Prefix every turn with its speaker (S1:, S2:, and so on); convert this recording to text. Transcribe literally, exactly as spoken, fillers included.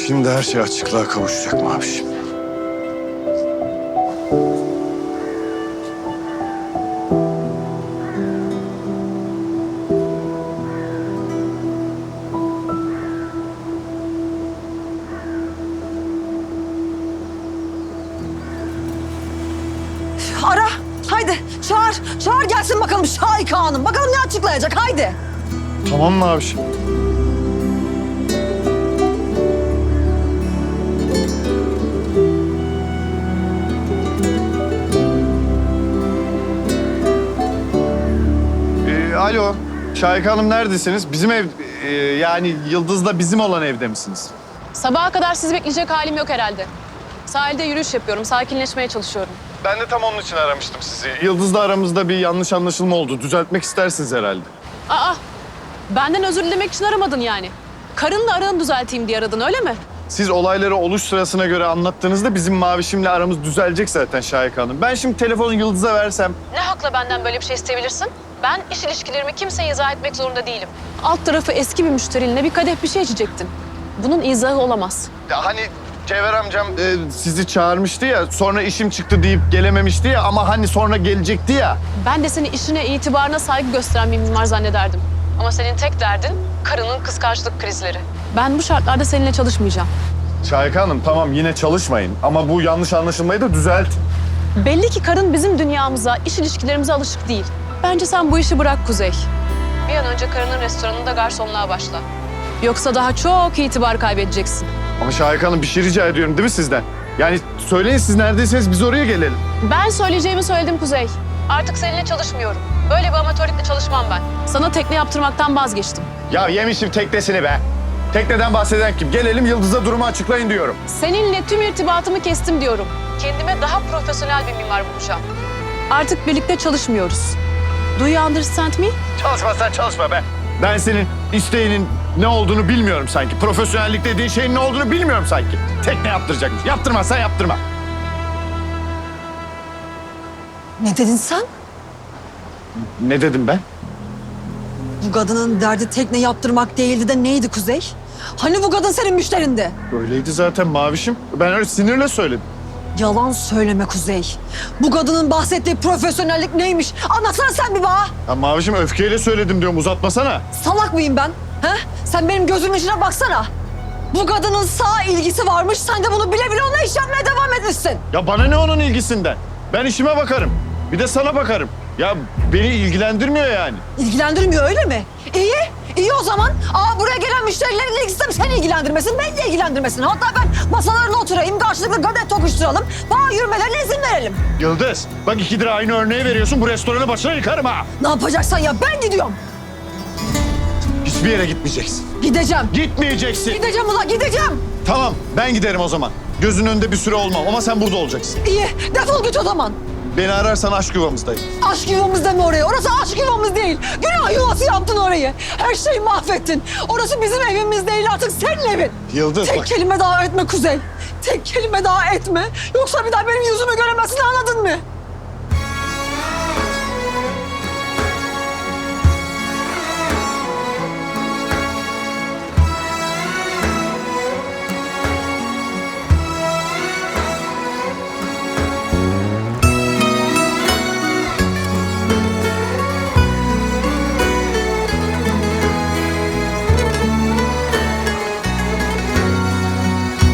S1: Şimdi her şey açıklığa kavuşacak Mavişim.
S2: Ara, haydi çağır, çağır gelsin bakalım Şahika Hanım. Bakalım ne açıklayacak, haydi.
S1: Tamam Mavişim. Ee, alo, Şahika Hanım neredesiniz? Bizim ev, e, yani Yıldız'la bizim olan evde misiniz?
S3: Sabaha kadar sizi bekleyecek halim yok herhalde. Sahilde yürüyüş yapıyorum, sakinleşmeye çalışıyorum.
S1: Ben de tam onun için aramıştım sizi. Yıldız'la aramızda bir yanlış anlaşılma oldu. Düzeltmek istersiniz herhalde.
S3: Aa, benden özür dilemek için aramadın yani. Karınla aranı düzelteyim diye aradın, öyle mi?
S1: Siz olayları oluş sırasına göre anlattığınızda bizim Mavişim'le aramız düzelecek zaten Şahika Hanım. Ben şimdi telefonu Yıldız'a versem...
S3: Ne hakla benden böyle bir şey isteyebilirsin? Ben iş ilişkilerimi kimseye izah etmek zorunda değilim. Alt tarafı eski bir müşterinle bir kadeh bir şey içecektin. Bunun izahı olamaz.
S1: Ya hani Cevher amcam e, sizi çağırmıştı ya, sonra işim çıktı deyip gelememişti ya ama hani sonra gelecekti ya.
S3: Ben de seni işine, itibarına saygı gösteren bir mimar zannederdim. Ama senin tek derdin karının kıskançlık krizleri. Ben bu şartlarda seninle çalışmayacağım.
S1: Şahika Hanım tamam yine çalışmayın ama bu yanlış anlaşılmayı da düzelt.
S3: Belli ki karın bizim dünyamıza, iş ilişkilerimize alışık değil. Bence sen bu işi bırak Kuzey. Bir an önce karının restoranında garsonluğa başla. Yoksa daha çok itibar kaybedeceksin.
S1: Ama Şahika Hanım bir şey rica ediyorum değil mi sizden? Yani söyleyin siz neredeyseniz biz oraya gelelim.
S3: Ben söyleyeceğimi söyledim Kuzey. Artık seninle çalışmıyorum. Böyle bir amatörlükle çalışmam ben. Sana tekne yaptırmaktan vazgeçtim.
S1: Ya yemişim teknesini be. Tekneden bahseden kim? Gelelim Yıldız'a durumu açıklayın diyorum.
S3: Seninle tüm irtibatımı kestim diyorum. Kendime daha profesyonel bir mimar bulacağım. Artık birlikte çalışmıyoruz. Do you understand me?
S1: Çalışma sen çalışma be. Ben senin isteğinin ne olduğunu bilmiyorum sanki. Profesyonellik dediğin şeyin ne olduğunu bilmiyorum sanki. Tekne yaptıracakmış. Yaptırmazsan yaptırma.
S2: Ne dedin sen?
S1: Ne dedim ben?
S2: Bu kadının derdi tekne yaptırmak değildi de neydi Kuzey? Hani bu kadın senin müşterindi?
S1: Öyleydi zaten Mavişim. Ben öyle sinirle söyledim.
S2: Yalan söyleme Kuzey. Bu kadının bahsettiği profesyonellik neymiş? Anlatsana sen bir bana.
S1: Ya Mavişim öfkeyle söyledim diyorum uzatmasana.
S2: Salak mıyım ben? He? Sen benim gözümün içine baksana. Bu kadının sağ ilgisi varmış. Sen de bunu bile bile ona iş yapmaya devam etmişsin.
S1: Ya bana ne onun ilgisinden? Ben işime bakarım. Bir de sana bakarım. Ya beni ilgilendirmiyor yani.
S2: İlgilendirmiyor öyle mi? İyi. İyi o zaman. Aa, buraya gelen müşterilerin ilgisi de seni ilgilendirmesin, beni de ilgilendirmesin. Hatta ben masalarına oturayım, karşılıklı kadeh tokuşturalım. Bana yürümelerine izin verelim.
S1: Yıldız, bak ikidir aynı örneği veriyorsun. Bu restoranı başına yıkarım ha.
S2: Ne yapacaksan ya, ben gidiyorum.
S1: Hiçbir yere gitmeyeceksin.
S2: Gideceğim.
S1: Gitmeyeceksin.
S2: Gideceğim ulan, gideceğim.
S1: Tamam, ben giderim o zaman. Gözünün önünde bir süre olmam ama sen burada olacaksın.
S2: İyi, defol git o zaman.
S1: Beni ararsan aşk yuvamızdayım.
S2: Aşk yuvamız deme oraya. Orası aşk yuvamız değil. Günah yuvası yaptın orayı. Her şeyi mahvettin. Orası bizim evimiz değil, artık senin evin.
S1: Yıldız
S2: Tek
S1: bak.
S2: kelime daha etme Kuzey. Tek kelime daha etme. Yoksa bir daha benim yüzümü göremezsin, anladın mı?